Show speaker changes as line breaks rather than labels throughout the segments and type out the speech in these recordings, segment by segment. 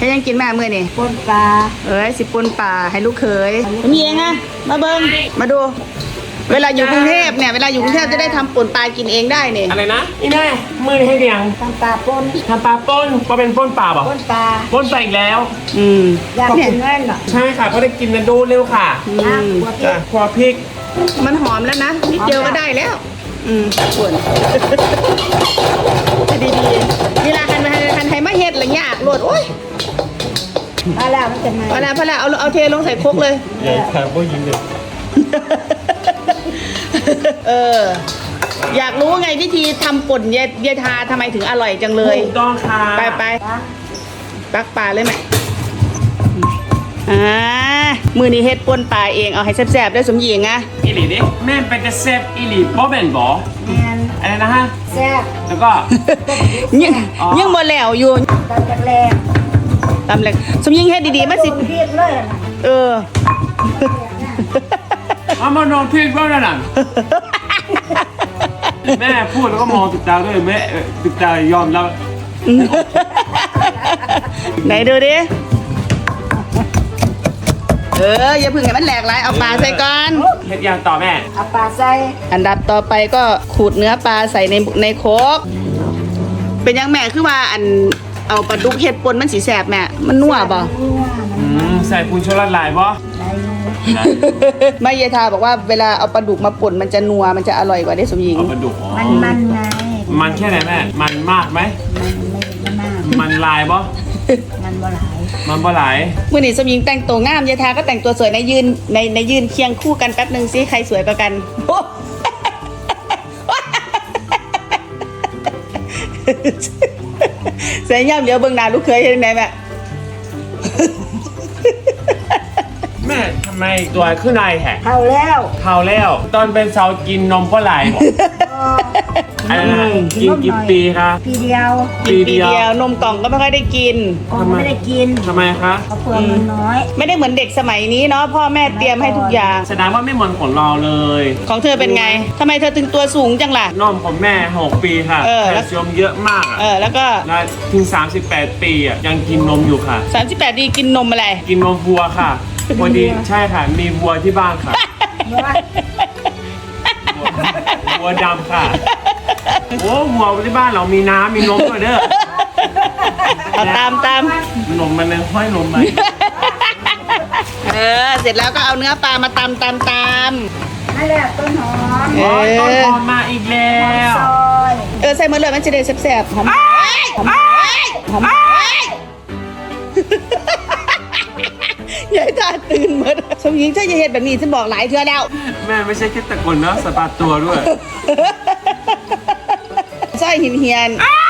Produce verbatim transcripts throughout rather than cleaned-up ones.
ให้ยังกินแม่เมื่อนี่
ปนปลา
เอ้ยสิปนป่าให้ลูกเขยมีเองอะมาเบิ้งมาดู เวลาอยู่กรุงเทพเนี่ยเวลาอยู่กรุงเทพจะได้ทำป่นปลากินเองได้เนี่ย
อะไรนะนี่แม่มือให้เดียง
ทำปลาปน
ทำปลาป้นเพราะเป็นป้นปลาบอก
ปนปลา
ป้นปลาอีกแล้ว
อืม
อยากกินแน่นเหรอ
ใช่ค่ะเพราะได้กินนะดูเร็วค่ะ
อืม
ครัวพริก
มันหอมแล้วนะนิดเดียวก็ได้แล้วอืมป่นดีดีเวลาคันคันคันไทยมาเฮ็ดอะไรยากโหลดโอ้ย
พอแล้วมันจะมา
พอแล้วพอแล้วเอาเอาเทลงใส่ครกเลย
ใหญ่ค่ะพวกยิงเลย
เอออยากรู้ไงวิธีทำป่นเยเยทาทำไมถึงอร่อยจังเลย
ถูกต้องค่ะ
ไปไปตักปลาเลยไหมอ่ามือนี้เฮ็ดป่นปลาเองเอาให้แซ่บๆได้สมหญิงอะ
อีหลีดิแม่เป็นกระเซฟอีหลีบ่เป็นบ่
แมน
อะไรนะฮะ
แซ่บ
แล้วก็
ยังยังบ่แล้วอยู่
ตำจากแรง
ตำแหลกสมหญิงเฮ็ดดีๆมาสิ
เพียรเลย
เออ
เอามานอนพริกบ้างนะนั่นแม่พูดแล้วก็มองติดตาด้วยแม่ติดตายอมแล้ว
ไหนดูดิเอออย่าพึ่งให้มันแหลกหลายเอาปลาใส่ก่อน
เฮ็ดยังต่อแม่
เอาปลาใส่
อันดับต่อไปก็ขูดเนื้อปลาใส่ในในโคกเป็นยังแม่คือว่าอันเอาปลาดุกเห็ดปนมันสีแสบแม่มันนัวบ่
ใส่ปูนชูรสลายบ่
ไม่ยายทาบอกว่าเวลาเอาปลาดุกมาป่นมันจะนัวมันจะอร่อยกว่าได้สมหญิง
ปลาดุก
มันมันไง
มันแค่ไหนแม่มันมากไหม
มันไม่มาก
มันลายบ่
มันบ่หลาย
มันบ่หลาย
เมื่อนี้สมหญิงแต่งตัวงามยายทาก็แต่งตัวสวยในยืนในในยืนเคียงคู่กันแป๊บนึงสิใครสวยกว่ากันเสียย่ำเดี๋ยวเบิ่งหน้าลูกเคยเห็นไหมแม่
แม่ทำไมตัวขึ้นในแหก
เท่าแล้ว
เท่าแล้วตอนเป็นสาวกินนมก็ไหลหมดอันนั้นกินกี่ปีคะ
ปีเดียว
ปีเดียวนมกล่องก็ไม่ค่อยได้กิน
ไม่ได้กิน
ทำไมคะ
เพราะเปลือกมันน้อย
ไม่ได้เหมือนเด็กสมัยนี้เนาะพ่อแม่เตรียมให้ทุกอย่าง
แสดงว่าไม่เหมือนของเราเลย
ของเธอเป็นไงทำไมเธอถึงตัวสูงจังล่ะ
นมของแม่หกปีค่ะแคลเซียมเยอะมาก
เออแล้วก็
ถึงสามสิบแปดปีอ่ะยังกินนมอยู่ค่ะ
สามสิบแปดปีกินนมอะไร
กินนมวัวค่ะพอดีใช่ค่ะมีวัวที่บ้านค่ะวัวดำค่ะโอ้วัวที่บ้านเรามีน้ำมีนมด้วยเด้อ
เอาตามตาม
นมมันเลยห้อยนมไหม
เออเสร็จแล้วก็เอาเนื้อปลามาตำตำตำ
นั่นแหละต้นหอม
โอ้ยต้นหอมมาอีกแล้ว
เออใส่มาเลยมันจะได้แซ่บๆหอมหอมหอมยายตาตื่นหมดสมหญิงถ้าจะเห็นแบบนี้ฉันบอกหลายเทื่อแล้ว
แม่ไม่ใช่แค่ตะกนนะสะบัดตัวด้วย
สร้อยหินเฮียน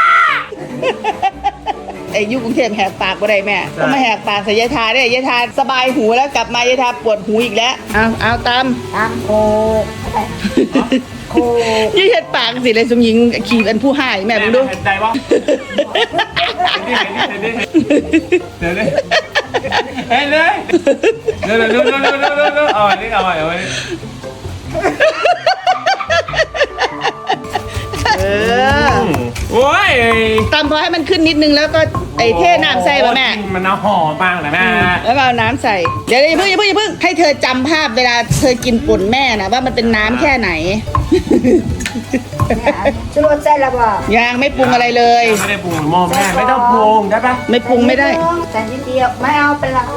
ไอ้ยุคกรุงเทพแหกปากบ่ได้แม่ก็มาแหกปากใส่ยายทาได้ยายทาสบายหูแล้วกลับมายายทาปวดหูอีกแล้วเอาเอาตาม
ตามโคโค
ยี่เห็ดปากสิเลยสมหญิงขี่อันผู้ให้แม่มึงดู
เห็นใจวะเดี๋ยวเลยเฮ้ยเลยเดี๋ยวเดี๋ยวเดี๋ยวเดี๋ยวเดี๋ยวเดี๋ยวเอาอันนี้เอาอันนี้
เออ
โอ้ย
ตำพอให้มันขึ้นนิดนึงแล้วก็ไอ้เท่น้ำใส่ป่ะแม่
มันเอาหอมบ้างแหละแม่
แล้วก็เอาน้ำใส่เดี๋ยวอย่าเพิ่งอย่าเพิ่งอย่าเพิ่งให้เธอจำภาพเวลาเธอกินป่นแม่นะว่ามันเป็นน้ำแค่ไหน
ชูรสใส่ละบ่
ยังไม่ปรุงอะไรเลย
ไม่ได้ปรุงมอแม่ไม่ต้องปรุงได้ปะ
ไม่ปรุงไม่ได้
แต่นิดเดียวไม่เอาเป็นละ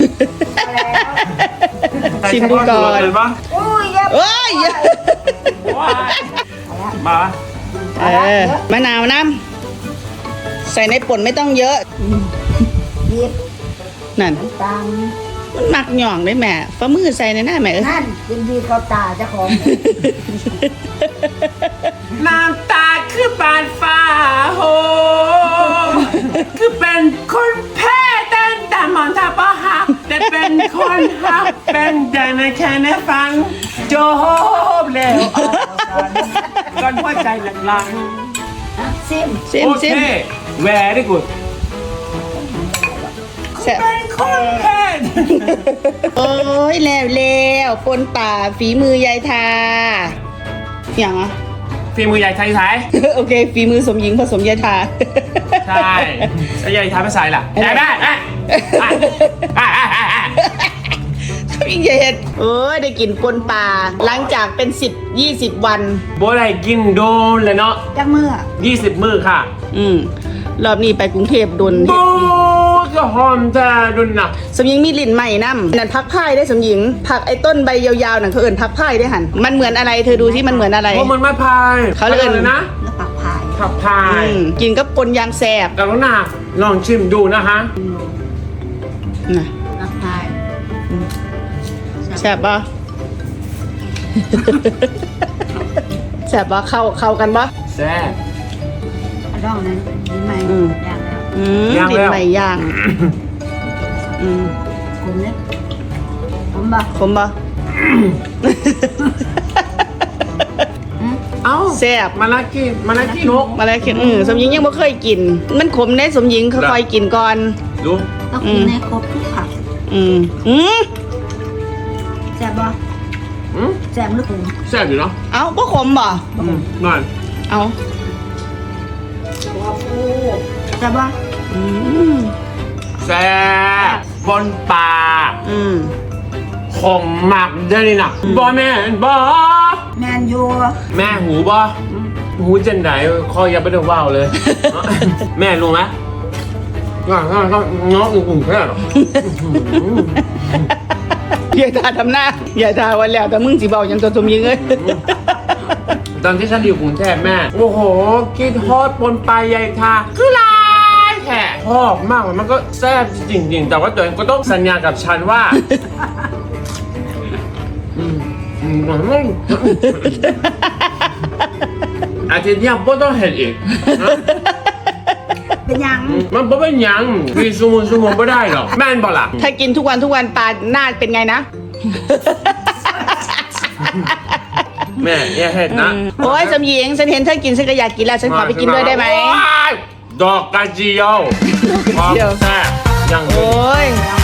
ชิมดูก่อน
อุ้ย
เอ้ย
มา
เออมะนาวน้ำใส่ในป่นไม่ต้องเยอะ
ยิบ
นั่น
ตาม
มันหมักหย่องได้แม่ฝ่ามือใส่ในหน้าแม่
นั่นยินดีเขาตาเจ้าของ
น้ำตาคือบานฟ้าโหคือเป็นคนแพ้แต่แต่มองตาป้าหักแต่เป็นคนหักเป็นได้ในแค่ในฟังจบแล้วก่อนหัวใจหลัง
ๆซิม
ซิมซิม
แวร์ได้กูเป็นคนแพ้
โอ้ยแล้วแล้วปนป่าฝีมือยายทาอย่างอ่ะ
ฝีมือใหญ่ไทยไทย
โอเคฝีมือสมหญิงผสมยายทา
ใช่ใช่แล้วยายทำไม่ใส่ล่ะยายแม่แม่อ่ะอ่ะอ่ะอ่ะอ่ะ
พี่เย็ดเอ้ยได้กินปนปลาหลังจากเป็นสิบยี่สิบวัน
โบได้กินโดนเลยเนาะ
จักมือ
ยี่สิบมื้อค่ะ
อืมรอบนี้ไปกรุงเทพโดน
โบ
เฮ็ดนี่
ก็หอมแต่ดุนน่ะ
สมหญิงมีลิ้นใหม่น้ำนั่นพักพ่ายได้สมหญิงผักไอ้ต้นใบยาวๆนั่นเขาเอิ่นพักพ่ายได้หันมันเหมือนอะไรเธอดูที่มันเหมือนอะไร
เพราะมันไม่พาย
เขาเรียก
อะไรนะ
แล้วปักพาย
ขับพาย
อืมกินกับปนยางแสบ
กรุณาลองชิมดูนะคะ
นะ
ปักพาย
แสบปะ แสบปะเข้าเข้ากันปะ
แซ่บ
อันดองนั้นดีไหม
อืม
อย่างแล้ว
อืม
ย่าง
ลิ้
แล้
น
ว
ใหม่ย่างอืม
ผมเนี่ยผมบ่
ขมปะ
เอ้า
แซ่บ
มาลากิมาลากินก
มาแล้วคิดอืมสมหญิงยังไม่เคยกิน มันขมแน่สมหญิงค่อยๆกินก่อน
ดู
ต้องกินในครบทุกผัก
อืมอืม
แซ่บบ่
อืม
แซ่บหรือขม
แซ่บอยู่เนาะ
เอาก็ขมบ่
อืมนั่น
เอา
แซ่บบ่
อืม
แซ่บปนปลา
อืม
ขมมากเด้อนี่น่ะบ่แม่นบ่
แมนยู
แม่หูบ่หูจังไหนคออย่าไปเดือดว่าวเลย แม่รู้ไหมก็ก็ก็น้องอุ่นๆแค่หรอ
อย่าทาทำหน้าอย่าทาวันแล้วแต่มึงสิเบายังตัวสมหญิงเอ้ย
ตอนที่ฉันอยู่กรุงเทพแม่ โอ้โหกินทอดปนปลาใหญ่ทาคือหลายแค่ชอบมากเลยมันก็แซ่บจริงๆ แต่ว่าตัวเองก็ต้องสัญญากับฉันว่าอืมอืมอืมอาทิตย์เนี้ยไม่ต้องเห็นอีกนะ
เป็นยัง
มันไม่เป็นหยังกินซูมุนซูมุนไม่ได้หรอกแม่นบอกล่ะ
ถ้ากินทุกวันทุกวันปลาหน้าเป็นไงนะ
แม่อย่าเห็ดนะ
โอ้ยสมหญิงฉันเห็นเธอกินฉันก็อยากกินแล้วฉันขอไปกินด้วยได้ไหม
โอ้ยดอกกระเจียว
ดอกกระเจียว
แซ่บอย่าง
โอ้
นี้
ย